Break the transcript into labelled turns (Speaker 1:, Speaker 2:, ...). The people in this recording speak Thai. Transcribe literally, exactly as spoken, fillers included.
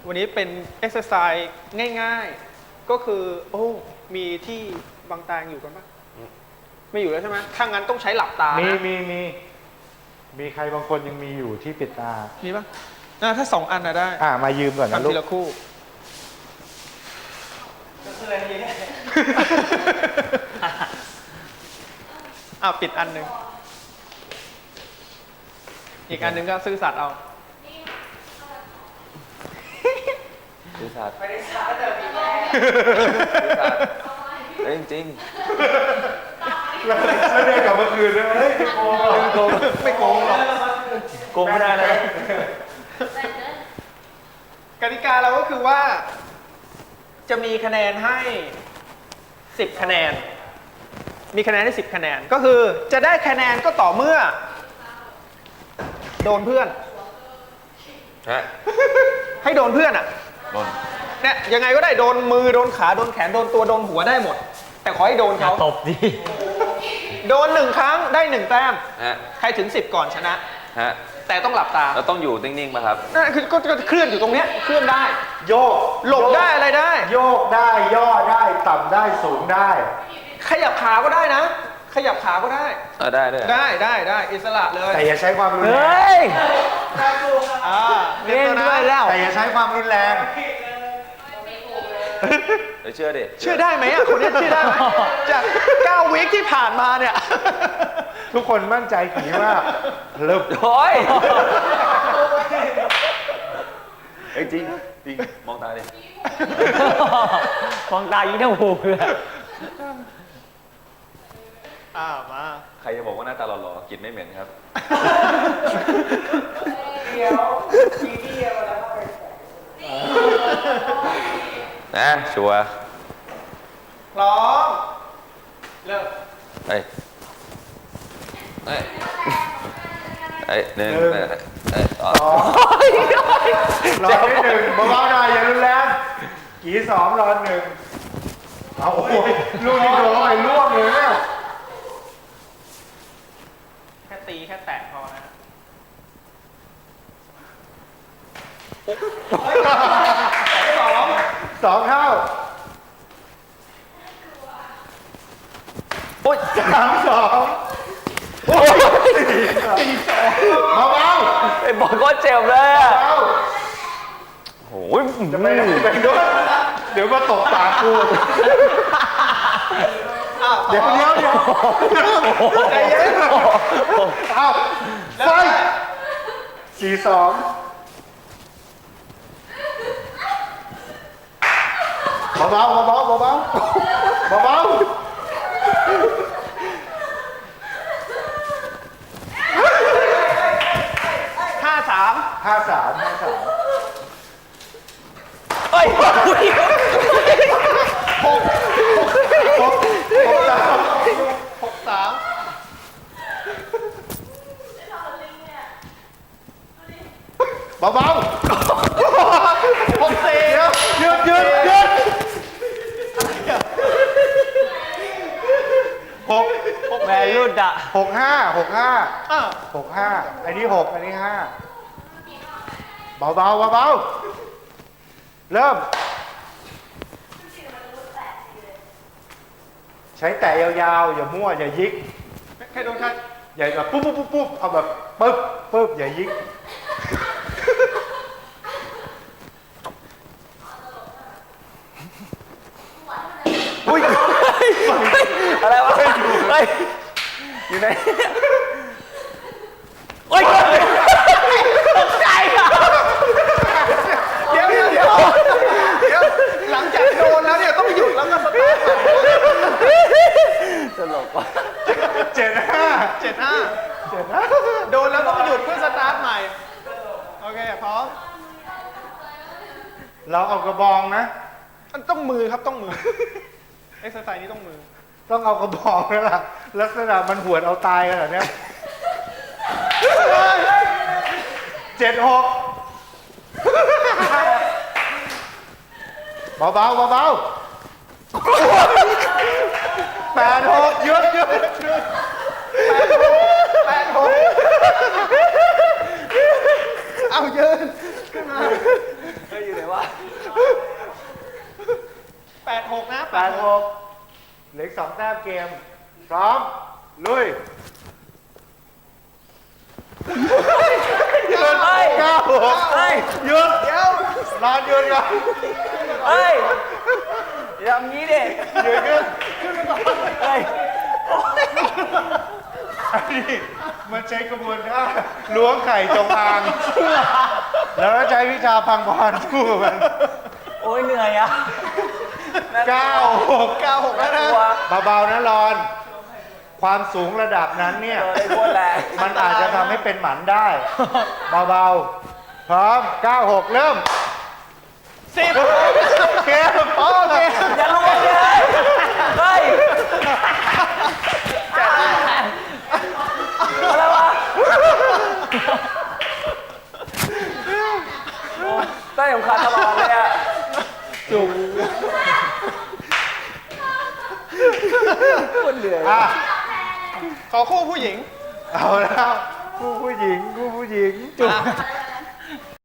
Speaker 1: วันนี้เป็นเอ็กซ์ไซส์ง่ายๆก็คือโอ้มีที่บางตาอยู่กันปะไม่อยู่แล้วใช่ไหมถ้างั้นต้องใช้หลับตานะ
Speaker 2: มีมีมีมีใครบางคนยังมีอยู่ที่ปิดตา
Speaker 1: มีปะถ้าสองอันนะได้
Speaker 2: อ่ามายืมก่อนนะลูก
Speaker 1: ทำทีละคู่อ้าวปิดอันหนึ่งอีกอันหนึ่งก็ซื่อสัตย์เอา
Speaker 3: ซื่อสัตย์ไม่ได้สัตย์แต่มีแม่ซื่อสัตย์เฮ้ยจริง
Speaker 2: แล้วเดินกลับมาคืนเลยเฮ้ยไม่โกงไม่โกง
Speaker 1: ไม่โกงหรอก
Speaker 3: โกงไม่ได้เลย
Speaker 1: กติกาเราก็คือว่าจะมีคะแนนให้สิบคะแนนมีคะแนนให้สิบคะแนนก็คือจะได้คะแนนก็ต่อเมื่อโดนเพื่อนให้โดนเพื่อนอ่ะ
Speaker 3: โดน
Speaker 1: เนี่ยยังไงก็ได้โดนมือโดนขาโดนแขนโดนตัวโดนหัวได้หมดแต่ขอให้โดนเขา
Speaker 4: ตบดิ
Speaker 1: โดนหนึ่งครั้งได้หนึ่งแต้มใครถึงสิบก่อนชนะแต่ต้องหลับตา
Speaker 3: แล้วต้องอยู่นิ่งๆป่ะครับ
Speaker 1: นั่นคือก็เคลื่อนอยู่ตรงเนี้ยเคลื่อนได้
Speaker 2: โยก
Speaker 1: หลบได้อะไรได้
Speaker 2: โยกได้ย่อได้ต่ำได้สูงได้
Speaker 1: ขยับขาก็ได้นะขยับขาก็ได้
Speaker 3: เออได้ด้วย
Speaker 1: ได้ได้ได้อิสระเลย
Speaker 2: แต่อย่าใช้ความรุนแรง
Speaker 4: เฮ้ย
Speaker 1: เล่นด้วยแล้ว
Speaker 2: แต่อย่าใช้ความรุนแรง
Speaker 3: เชื่อดิ
Speaker 1: เชื่อได้ไหมอ่ะคนนี้เชื่อได้ไหมจากเก้าวีคที่ผ่านมาเนี่ย
Speaker 2: ทุกคนมั่นใจผีมากเริ่ม
Speaker 3: โอ้ยจริงจริงมองตาดิ
Speaker 4: มองตายิ่งเท่าหูเลย
Speaker 1: อ้าวมา
Speaker 3: ใครจะบอกว่าหน้าตาหล่อๆกินไม่เหม็นครับ
Speaker 1: เดี๋ยวทีเดียวแล้วไป
Speaker 3: นะชัวร์
Speaker 1: พร้อมเริ่ม
Speaker 3: เฮ้ยเฮ้ยเฮ้ยหนึ่งเฮ้ยสอง
Speaker 2: รอได้หนึ่งเบาๆหน่อยอย่ารุนแรงกี่สองรอหนึ่งเอาโอ้ยลูกนี้โดนเข้าไปล่วงเลยเนี่ย
Speaker 1: แค่ตีแค่แตะพอนะสอง
Speaker 2: สองเข้าโอ้ยสามสองโอ้ยสี่สองเบา
Speaker 3: ๆไอ้บอลก็เจ็บเลยอ่ะโอ้ย
Speaker 2: จะไปไหนไปด้วยเดี๋ยวมาตกปากกูเดี๋ยวเดี๋ยวเดี๋ยวใจเย็นเอาไฟสี่สองเบาเบาเบาเบาเบาเบาเบา
Speaker 1: ห้าสาม
Speaker 2: ห้าสามห้าสาม
Speaker 1: เฮ้ยหกหกหกหกสามหกสาม
Speaker 2: เบาเบา
Speaker 1: หกสี่
Speaker 2: หยุดหยุดหยุดหก
Speaker 1: หก
Speaker 4: แม่รุ่นอะ
Speaker 2: หกห้าหกห้าหกห้าอันนี้หกอันนี้ห้าเบาเบาเบาเบาเริ่มใช้แตะยาวๆอย่ามั่วอย่ายิก
Speaker 1: แค่โดนแค่
Speaker 2: อย่าแบบปุ๊บปุ๊บปุ๊บปุ๊บเอาแบบปึ๊บปึ๊บอย่ายิก
Speaker 3: อุ้ยอะไรวะเฮ้ยอยู่ไหน
Speaker 1: โอ๊ยตกใจอ่ะเดี๋ยวเดี๋ยวเดี๋ยวเดี๋ยวหลังจากโดนแล้วเนี่ยต้องหยุดแล้วก็สตาร์ท
Speaker 3: ตลกว่ะ
Speaker 2: เจ็ดห้า
Speaker 1: เจ็ดห้า
Speaker 2: เจ็ดห้า
Speaker 1: โดนแล้วต้องหยุดเพื่อสตาร์ทใหม่โอเคพร้อม
Speaker 2: เราเอากระบองนะ
Speaker 1: ต้องมือครับต้องมือเอ็กซ์ไซส์นี้ต้องมือ
Speaker 2: ต้องเอากระบองแล้วล่ะลักษณะมันหวดเอาตายกันเหรอเนี่ยเจ็ดหกเบาเบาเบาเบาแปดหกหยุดหยุด
Speaker 1: แปดหกเอายืนขึ้นมา
Speaker 3: เฮ้ยยอยู่ไหนวะ
Speaker 1: แปดหกนะ
Speaker 2: แปดหกเหลืออกสองแต้มเกม พร้อม ลุย
Speaker 1: หยุด
Speaker 4: เฮ้ย
Speaker 2: เก้าหก
Speaker 4: เฮ้ย
Speaker 2: หยุด
Speaker 1: เดี๋ยวน
Speaker 2: อนหยุดก่อน
Speaker 4: เฮ้ยอย่าทำงี้ดิ
Speaker 2: หยุดขึ้น
Speaker 4: เฮ้ย
Speaker 2: อันนี้มันใช้กระบวนท่าล้วงไข่จงอาง แล้วก็ใช้วิชาพังพรสู้กับมัน
Speaker 4: โอ้ยเหนื่อยอ่ะ
Speaker 2: เก้าหก
Speaker 1: เก้าหกแล้วนะ
Speaker 2: เบาๆนะรอน ความสูงระดับนั้นเนี่ย
Speaker 4: เออได้พูดแหละ
Speaker 2: มันอาจจะทำให้เป็นหมันได้ เบาๆ พร้อม เก้าหก เริ่ม
Speaker 1: สิบ
Speaker 2: เกมโอเค
Speaker 4: อย่าลงไปเลยเฮ้ยอะไรวะใต้สำคัญตลอดเลยอ่ะ
Speaker 2: จุก
Speaker 4: คนเหนื่อย
Speaker 2: อ่ะ
Speaker 1: ขอคู่ผู้หญิง
Speaker 2: เอาแล้วคู่ผู้หญิงคู่ผู้หญิง
Speaker 1: จุก